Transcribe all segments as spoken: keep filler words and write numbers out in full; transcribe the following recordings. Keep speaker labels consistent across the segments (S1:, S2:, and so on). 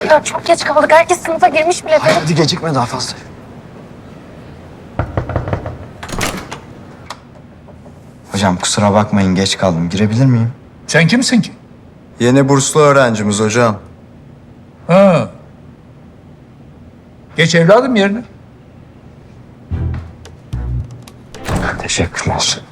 S1: Ya çok geç kaldık. Herkes sınıfa girmiş bile.
S2: Hayır, hadi gecikme daha fazla. Hocam kusura bakmayın geç kaldım. Girebilir miyim?
S3: Sen kimsin ki?
S2: Yeni burslu öğrencimiz hocam.
S3: Ha. Geç evladım yerine.
S2: Teşekkürler.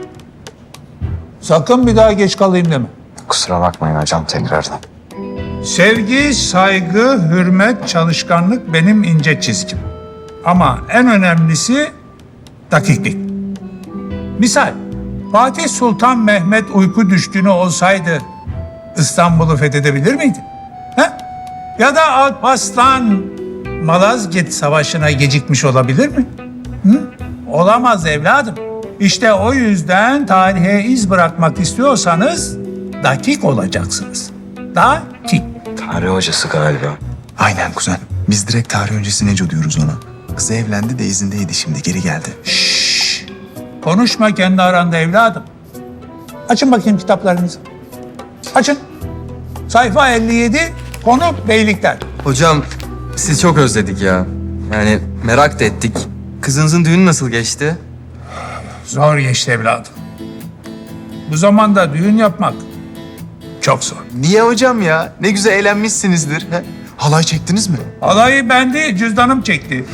S3: Sakın bir daha geç kalayım deme.
S2: Kusura bakmayın hocam tekrardan.
S3: Sevgi, saygı, hürmet, çalışkanlık benim ince çizgim. Ama en önemlisi dakiklik. Misal, Fatih Sultan Mehmet uyku düşkünü olsaydı İstanbul'u fethedebilir miydi? He? Ya da Alparslan Malazgirt Savaşı'na gecikmiş olabilir mi? Hı? Olamaz evladım. İşte o yüzden tarihe iz bırakmak istiyorsanız dakik olacaksınız. Dakik.
S2: Tarih hocası galiba.
S4: Aynen kuzen. Biz direkt tarih öncesi Neco diyoruz ona. Kızı evlendi de izindeydi şimdi geri geldi.
S3: Şşş! Konuşma kendi aranda evladım. Açın bakayım kitaplarınızı. Açın. Sayfa elli yedi, konu beylikler.
S5: Hocam sizi çok özledik ya. Yani merak da ettik. Kızınızın düğünü nasıl geçti?
S3: Zor geçti evladım. Bu zamanda düğün yapmak çok zor.
S4: Niye hocam ya? Ne güzel eğlenmişsinizdir. He? Halay çektiniz mi?
S3: Halayı bendi, cüzdanım çekti.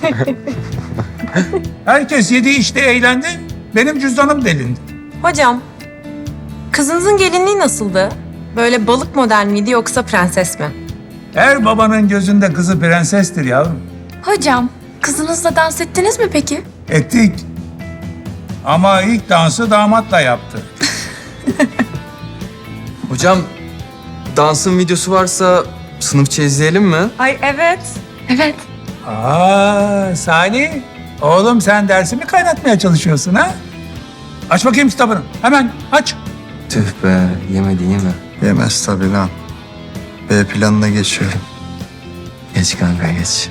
S3: Herkes yedi içti, eğlendi. Benim cüzdanım delindi.
S6: Hocam, kızınızın gelinliği nasıldı? Böyle balık model miydi yoksa prenses mi?
S3: Her babanın gözünde kızı prensestir yavrum.
S1: Hocam, kızınızla dans ettiniz mi peki?
S3: Ettik. Ama ilk dansı damatla yaptı.
S5: Hocam dansın videosu varsa sınıfça izleyelim mi?
S6: Ay evet.
S1: Evet.
S3: Aa Salih, oğlum sen dersimi kaynatmaya çalışıyorsun ha? Aç bakayım kitabını. Hemen aç.
S5: Tüh be yemedi yeme.
S2: Yemez tabii lan. B planına geçiyorum.
S5: Geç kanka geç.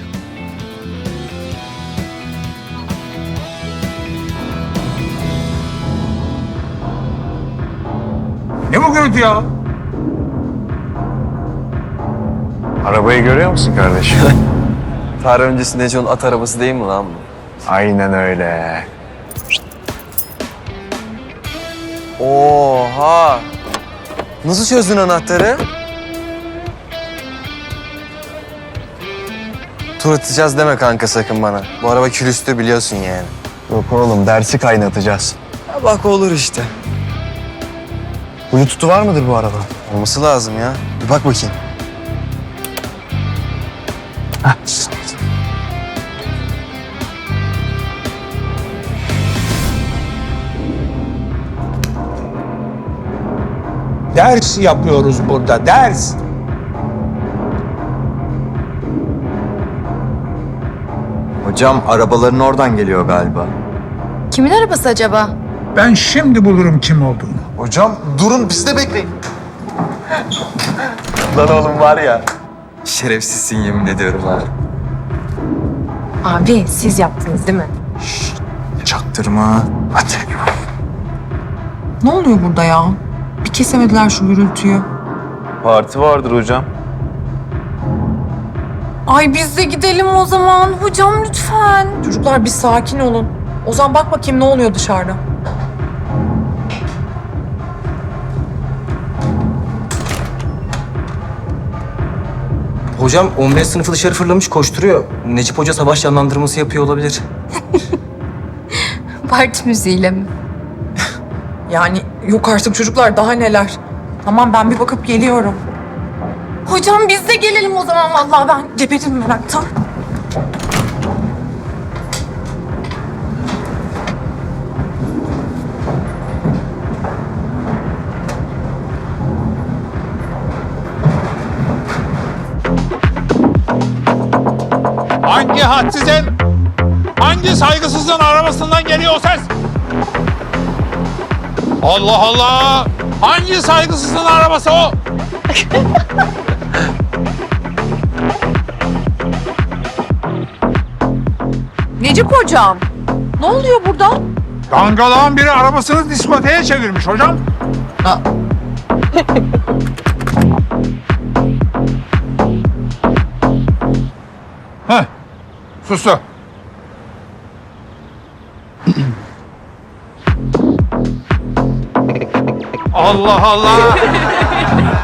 S3: Ne bu gürültü ya?
S7: Arabayı görüyor musun kardeşim?
S5: Tarih öncesi Neco'nun at arabası değil mi lan bu?
S7: Aynen öyle.
S5: Oha! Nasıl çözdün anahtarı? Tur atacağız deme kanka sakın bana. Bu araba külüstür biliyorsun yani.
S7: Yok oğlum dersi kaynatacağız.
S5: Ya bak olur işte.
S7: Bluetooth'u var mıdır bu araba?
S5: Olması lazım ya. Bir bak bakayım.
S3: Ders yapıyoruz burada, ders.
S2: Hocam arabaların oradan geliyor galiba.
S1: Kimin arabası acaba?
S3: Ben şimdi bulurum kim olduğunu.
S4: Hocam durun biz de bekleyin.
S7: Lan oğlum var ya.
S5: Şerefsizsin yemin ediyorum ha.
S6: Abi siz yaptınız değil mi?
S4: Çaktırma. Hadi.
S8: Ne oluyor burada ya? Bir kesemediler şu gürültüyü.
S7: Parti vardır hocam.
S6: Ay biz de gidelim o zaman. Hocam lütfen.
S8: Çocuklar bir sakin olun. Ozan bak bakayım ne oluyor dışarıda.
S5: Hocam on beş sınıfı dışarı fırlamış koşturuyor. Necip Hoca savaş canlandırması yapıyor olabilir.
S1: Parti müziğiyle mi?
S8: Yani yok artık çocuklar daha neler. Tamam ben bir bakıp geliyorum.
S6: Hocam biz de gelelim o zaman. Vallahi ben geberim meraktan.
S3: Hangi hadsizin, hangi saygısızın arabasından geliyor o ses? Allah Allah! Hangi saygısızın arabası o?
S8: Necip hocam. Ne oluyor burada?
S3: Dangalağın biri arabasını diskoteye çevirmiş hocam. Heh, sustu. Allah Allah!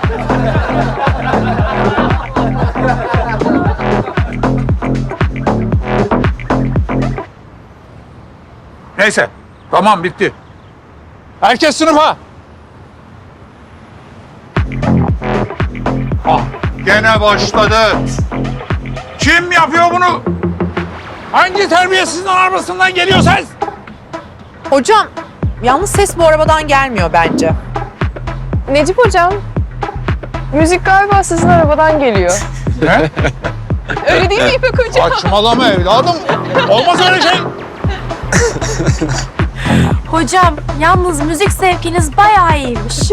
S3: Neyse, tamam bitti. Herkes sınıfa. Ah, gene başladı. Kim yapıyor bunu? Hangi terbiyesizin arabasından geliyor ses?
S8: Hocam, yalnız ses bu arabadan gelmiyor bence.
S9: Necip hocam, müzik galiba sizin arabadan geliyor.
S3: Ne?
S9: Öyle değil mi İpek hocam?
S3: Saçmalama evladım. Olmaz öyle şey.
S1: Hocam, yalnız müzik zevkiniz bayağı iyiymiş.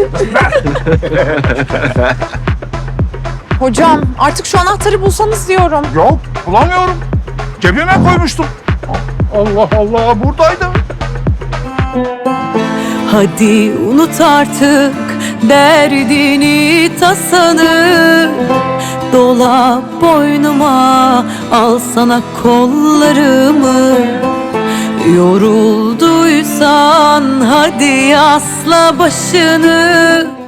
S8: Hocam, artık şu anahtarı bulsanız diyorum.
S3: Yok, bulamıyorum. Cebime koymuştum. Allah Allah, buradaydı.
S10: Hadi unut artık derdini tasanı, dola boynuma, al sana kollarımı. Yorulduysan hadi asla başını,